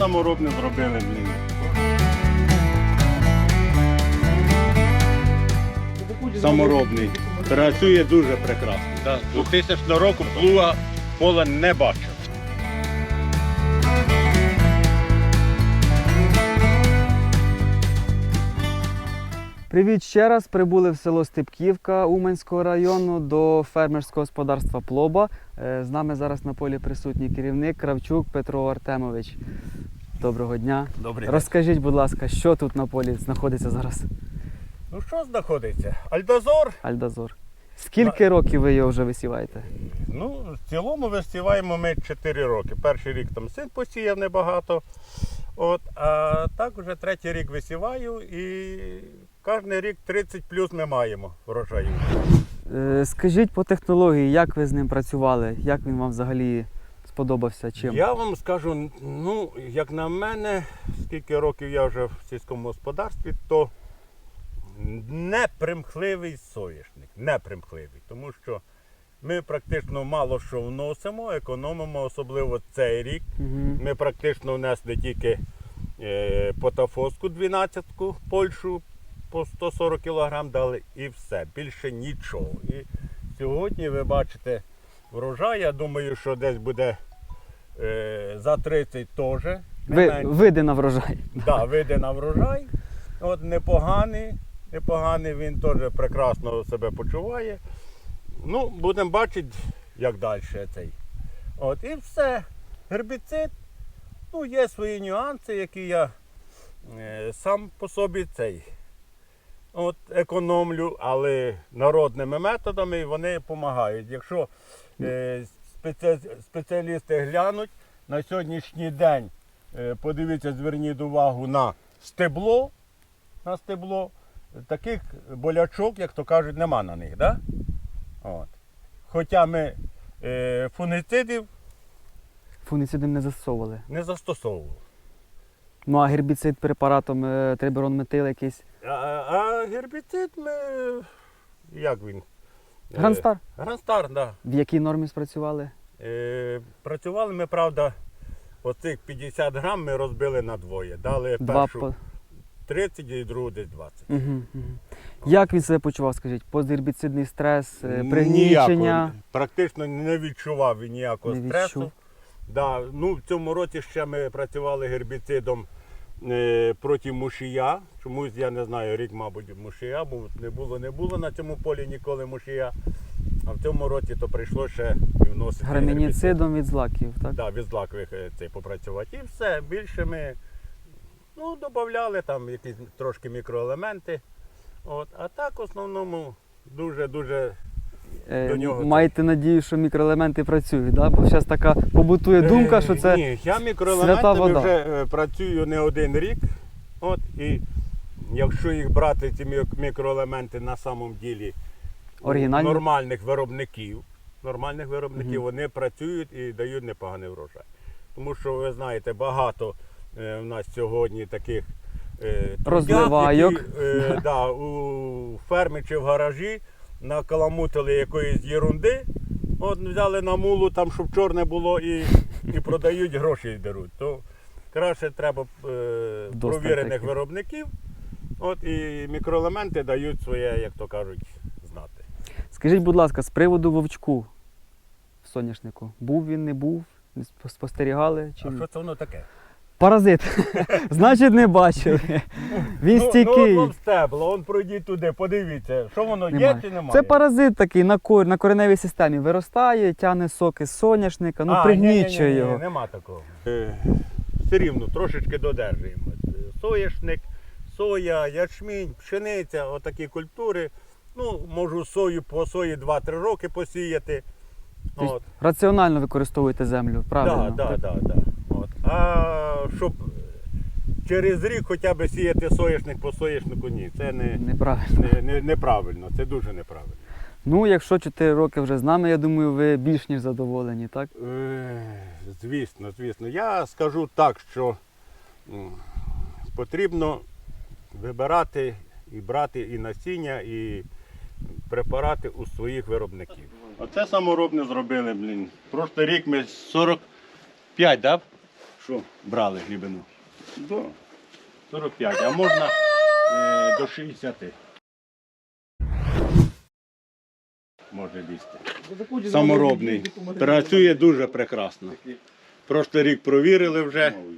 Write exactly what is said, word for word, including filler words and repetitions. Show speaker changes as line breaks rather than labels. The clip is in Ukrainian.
саморобне зробили, блін. Саморобний. Працює дуже прекрасно. Да. З двохтисячного року плуга пола не бачив.
Привіт ще раз. Прибули в село Степківка Уманського району до фермерського господарства Плоба. З нами зараз на полі присутній керівник Кравчук Петро Артемович. Доброго дня.
Добрий
Розкажіть, будь ласка, що тут на полі знаходиться зараз?
Ну що знаходиться? Альдозор.
Альдозор. Скільки років ви його вже висіваєте?
Ну, в цілому висіваємо ми чотири роки. Перший рік там син посіяв небагато. От, а так вже третій рік висіваю і кожен рік тридцять плюс ми маємо врожаю.
Е, Скажіть по технології, як ви з ним працювали? Як він вам взагалі сподобався? Чим?
Я вам скажу, ну, як на мене, скільки років я вже в сільському господарстві, то непримхливий соняшник, непримхливий, тому що ми практично мало що вносимо, економимо, особливо цей рік.
Угу.
Ми практично внесли тільки е, потафоску дванадцятку, Польщу по сто сорок кілограм дали і все, більше нічого. І сьогодні ви бачите врожай, я думаю, що десь буде е, за тридцять теж.
Ви, вийде на врожай.
Да, вийде на врожай. От непоганий, непоганий, він теж прекрасно себе почуває. Ну, будемо бачити, як далі цей. От, і все. Гербіцид, ну, є свої нюанси, які я е, сам по собі цей от, економлю, але народними методами вони допомагають. Якщо е, спеці, спеціалісти глянуть, на сьогоднішній день, е, подивіться, зверніть увагу на стебло, на стебло, таких болячок, як то кажуть, нема на них. Да? От. Хоча ми е, фунгіцидів
Фунгіцидом не застосовували.
не застосовували.
Ну а гербіцид препаратом е, триберон метил якийсь?
А, а гербіцид ми, як він?
Гранстар?
Е, Гранстар, так. Да.
В якій нормі спрацювали?
Е, працювали ми, правда, оцих п'ятдесят грам ми розбили на двоє. Дали
Два
першу
по...
тридцять і другу десь двадцять.
Угу, угу. Як він себе почував, скажіть? Постгербіцидний стрес, е, пригнічення?
Ніякого, практично не відчував він ніякого
Не
стресу.
відчув.
Да, ну, в цьому році ще ми працювали гербіцидом е, проти мушія. Чомусь, я не знаю, рік, мабуть, мушія, бо не було, не було на цьому полі ніколи мушія. А в цьому році то прийшло ще і вносити
Грамініцидом від злаків, так?
Да, від злакових е, цей, попрацювати. І все, більше ми ну, додавали там якісь трошки мікроелементи. От, а так в основному дуже-дуже
Е,
до нього.
Маєте надію, що мікроелементи працюють, да? Бо зараз така побутує думка, що це
Ні, я
свята
мікроелементами
вода.
вже е, працюю не один рік. От, і якщо їх брати, ці мі- мікроелементи на самом ділі у
Оригінальні?
нормальних виробників, нормальних виробників,
Мгм.
вони працюють і дають непоганий врожай. Тому що, ви знаєте, багато е, в нас сьогодні таких е,
Розливайок.
трудяг, які, е, да, у фермі чи в гаражі накаламутили якоїсь єрунди, от взяли на мулу, там, щоб чорне було, і, і продають, гроші деруть. То краще треба е,
Вдосталь
провірених
таких.
виробників, от, і мікроелементи дають своє, як то кажуть, знати.
Скажіть, будь ласка, з приводу вовчку в соняшнику. Був він, не був? Не спо- Спостерігали? Чи...
А що це воно таке?
Паразит. Значить, не бачили. Він
Ну,
стійкий.
ну, от стебло, он пройдіть туди, подивіться, що воно є
Немає.
чи немає.
Це паразит такий на, кор... на кореневій системі. Виростає, тягне соки з соняшника, ну
А,
пригнічує
ні-ні-ні,
його.
Нема такого. Е, все рівно трошечки додержуємо. Соняшник, соя, ячмінь, пшениця, отакі культури. Ну, можу сою по сої два-три роки посіяти.
Тобто
От.
Раціонально використовуєте землю, правильно?
Да, да, да, да. От. А щоб через рік хоча б сіяти соняшник по соняшнику, ні, це не,
Неправильно.
не, не, неправильно, це дуже неправильно.
Ну, якщо чотири роки вже з нами, я думаю, ви більш ніж задоволені, так?
Е, Звісно, звісно. Я скажу так, що м, потрібно вибирати і брати і насіння, і препарати у своїх виробників. Оце саморобне зробили, блін. Прошлий рік ми сорок п'ять, да? що брали глибину?
Да.
сорок п'ять, а можна е, до шістдесят. Може лізти. Саморобний. Працює дуже прекрасно. Прошлий рік провірили вже.
Ну,